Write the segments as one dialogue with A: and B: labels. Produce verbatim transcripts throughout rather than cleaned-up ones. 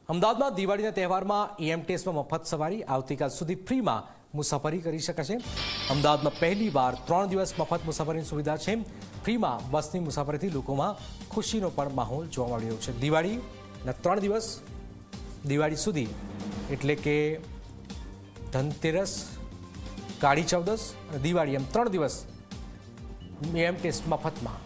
A: અમદાવાદમાં દિવાળીના તહેવારમાં ઈએમટીએસમાં મફત સવારી આવતીકાલ સુધી ફ્રીમાં મુસાફરી કરી શકાશે। અમદાવાદમાં પહેલીવાર ત્રણ દિવસ મફત મુસાફરીની સુવિધા છે। ફ્રીમાં બસની મુસાફરીથી લોકોમાં ખુશીનો પણ માહોલ જોવા મળી રહ્યો છે। દિવાળીના ત્રણ દિવસ દિવાળી સુધી એટલે કે ધનતેરસ, કાળી ચૌદસ અને દિવાળી એમ ત્રણ દિવસ ઈએમટીએસ મફતમાં।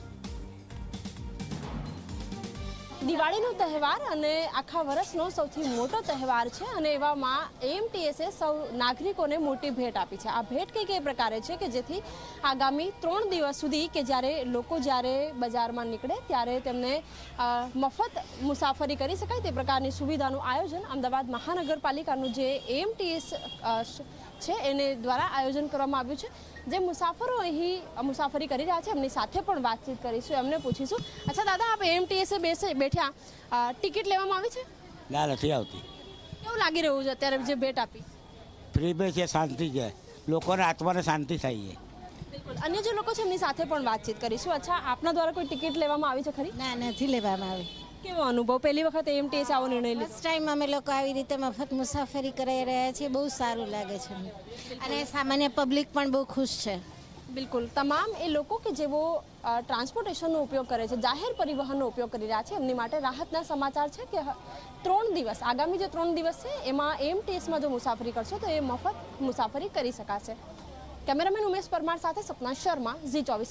B: દિવાળીનો તહેવાર અને આખા વર્ષનો સૌથી મોટો તહેવાર છે અને એવામાં એએમટીએસે સૌ નાગરિકોને મોટી ભેટ આપી છે। આ ભેટ કંઈક એ પ્રકારે છે કે જેથી આગામી ત્રણ દિવસ સુધી કે જ્યારે લોકો જ્યારે બજારમાં નીકળે ત્યારે તેમને મફત મુસાફરી કરી શકાય તે પ્રકારની સુવિધાનું આયોજન અમદાવાદ મહાનગરપાલિકાનું જે એએમટીએસ છે એને દ્વારા આયોજન કરવામાં આવ્યું છે। જે મુસાફરો અહીં મુસાફરી કરી રહ્યા છે એમની સાથે પણ વાતચીત કરીશું, એમને પૂછીશું। અચ્છા દાદા, આપ એએમટીએસે બેસે બેઠા, ટિકિટ લેવામાં આવી છે?
C: ના, નથી આવતી।
B: કેવું લાગી રહ્યું છે અત્યારે જે ભેટ આપી?
C: ફ્રી બે છે, શાંતિ છે, લોકોને આત્માને શાંતિ થાય છે।
B: બિલકુલ, અન્ય જે લોકો છે એમની સાથે પણ વાતચીત કરીશું। અચ્છા, આપના દ્વારા કોઈ ટિકિટ લેવામાં આવી છે ખરી?
D: ના, નથી લેવામાં આવી।
B: કેવો અનુભવ? પહેલી વખત એએમટીએસ આવો નિર્ણય લીધો?
D: ફર્સ્ટ ટાઈમ અમે લોકો આવી રીતે મફત મુસાફરી કરાઈ રહ્યા છીએ, બહુ સારું લાગે છે અને સામાન્ય પબ્લિક પણ બહુ ખુશ છે।
B: બિલકુલ, તમામ એ લોકો કે જેઓ ટ્રાન્સપોર્ટેશનનો ઉપયોગ કરે છે, જાહેર પરિવહનનો ઉપયોગ કરી રહ્યા છે, એમની માટે રાહતના સમાચાર છે કે ત્રણ દિવસ આગામી જે ત્રણ દિવસ છે એમાં એએમટીએસમાં જો મુસાફરી કરશો તો એ મફત મુસાફરી કરી શકાશે। કેમેરામેન ઉમેશ પરમાર સાથે સપના શર્મા, ઝી ચોવીસ